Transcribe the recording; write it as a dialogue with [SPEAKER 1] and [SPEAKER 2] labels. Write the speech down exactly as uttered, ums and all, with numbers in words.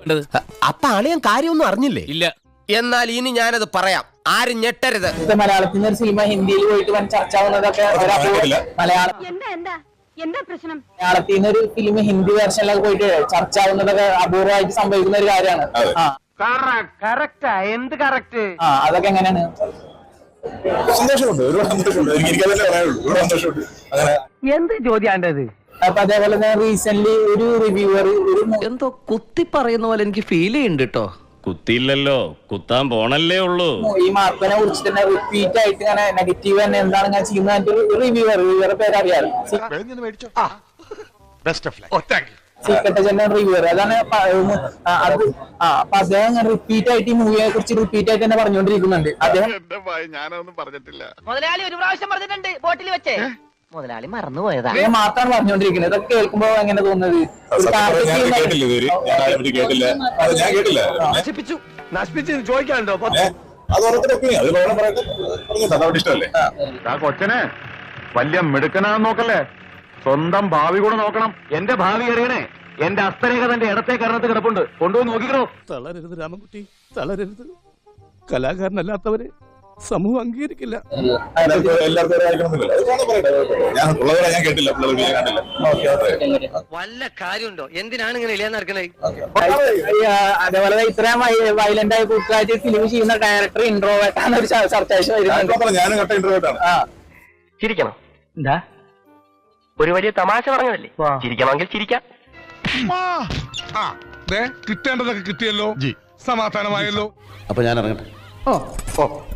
[SPEAKER 1] അപ്പൊ അളിയൻ കാര്യമൊന്നും അറിഞ്ഞില്ലേ?
[SPEAKER 2] ഇല്ല.
[SPEAKER 1] എന്നാൽ ഇനി ഞാനത് പറയാം, ആരും ഞെട്ടരുത്.
[SPEAKER 3] മലയാളത്തിൽ നിന്ന് ഒരു സിനിമ ഹിന്ദിയിൽ പോയിട്ട് വൻ ചർച്ച ആവുന്നതൊക്കെ മലയാളം മലയാളത്തിൽ നിന്ന് ഒരു ഫിലിം ഹിന്ദി വേർഷനിലൊക്കെ പോയിട്ട് ചർച്ച ആവുന്നതൊക്കെ അപൂർവമായിട്ട് സംഭവിക്കുന്ന ഒരു കാര്യമാണ്.
[SPEAKER 4] എന്ത് കറക്റ്റ്?
[SPEAKER 3] ആ അതൊക്കെ എങ്ങനെയാണ്?
[SPEAKER 5] സന്തോഷമുണ്ട്, ഒരുപാട് സന്തോഷമുണ്ട്. എനിക്ക് അതല്ലേ പറയാനുള്ളൂ, ഒരുപാട് സന്തോഷമുണ്ട്. അങ്ങനെ
[SPEAKER 4] എന്ത് ചോദ്യാണ്ടത്?
[SPEAKER 3] അപ്പൊ അതേപോലെ തന്നെ റീസെന്റ് ഒരു റിവ്യൂവർ ഒരു
[SPEAKER 6] എന്തോ കുത്തി പറയുന്ന പോലെ എനിക്ക് ഫീൽ ചെയ്യുന്നുണ്ട് കേട്ടോ.
[SPEAKER 2] കുത്തിയില്ലല്ലോ, കുത്താൻ പോണല്ലേ ഉള്ളൂ.
[SPEAKER 3] ഈ മാർക്കിനെ കുറിച്ച് തന്നെ റിപ്പീറ്റ് ആയിട്ട് ഇങ്ങനെ നെഗറ്റീവ് തന്നെ എന്താണ് ഞാൻ ചെയ്യുന്നത് റിവ്യൂവർ റിവ്യൂവറെ പേര് അറിയാറ് സീക്രട്ട് ജനറൽ റിവ്യൂവർ. അതാണ് അത്. ആ അപ്പൊ അദ്ദേഹം റിപ്പീറ്റ് ആയിട്ട് ഈ മൂവിയെ കുറിച്ച് റിപ്പീറ്റ് ആയിട്ട് തന്നെ പറഞ്ഞുകൊണ്ടിരിക്കുന്നുണ്ട്. അദ്ദേഹം
[SPEAKER 5] ഞാനൊന്നും പറഞ്ഞിട്ടില്ല.
[SPEAKER 4] മുതലാളി ഒരു പ്രാവശ്യം പറഞ്ഞിട്ടുണ്ട് ബോട്ടിൽ വെച്ചേ. മുതലാളി മറന്നുപോയതാ.
[SPEAKER 3] അദ്ദേഹം മാത്രമാണ് പറഞ്ഞുകൊണ്ടിരിക്കുന്നത്. ഇതൊക്കെ കേൾക്കുമ്പോ എങ്ങനെ തോന്നുന്നത്?
[SPEAKER 4] ചോദിക്കാനുണ്ടോ?
[SPEAKER 5] കൊച്ചനെ വലിയ മിടുക്കനാന്ന് നോക്കല്ലേ, സ്വന്തം ഭാവി കൂടെ നോക്കണം. എന്റെ ഭാവി അറിയണേ, എന്റെ അസ്തരേഖ തന്റെ ഇടത്തെ കരണത്ത് കിടപ്പുണ്ട്, കൊണ്ടുപോയി നോക്കിക്കണോ.
[SPEAKER 7] തളരരുത് രാമൻകുട്ടി, തളരരുത്. കലാകാരനല്ലാത്തവരെ സമൂഹം അംഗീകരിക്കില്ല.
[SPEAKER 6] വല്ല കാര്യമുണ്ടോ? എന്തിനാണ് ഇങ്ങനെ ഇല്ലാന്ന് നടക്കണേ?
[SPEAKER 3] അതേപോലെ ഇത്രയും വയലന്റ് ആയി കൂട്ടുകാരി ഫിലിം ചെയ്യുന്ന ഡയറക്ടർ ഇൻട്രോവേർട്ടാണ് ഒരു ചർച്ച
[SPEAKER 4] ചിരിക്കണം. എന്താ ഒരു വലിയ തമാശ പറഞ്ഞതല്ലേ? ചിരിക്കണമെങ്കിൽ ചിരിക്കാം.
[SPEAKER 7] കിട്ടേണ്ടതൊക്കെ കിട്ടിയല്ലോ, സമാധാനമായല്ലോ.
[SPEAKER 6] അപ്പൊ ഞാൻ ഇറങ്ങട്ടെ.
[SPEAKER 3] ഓ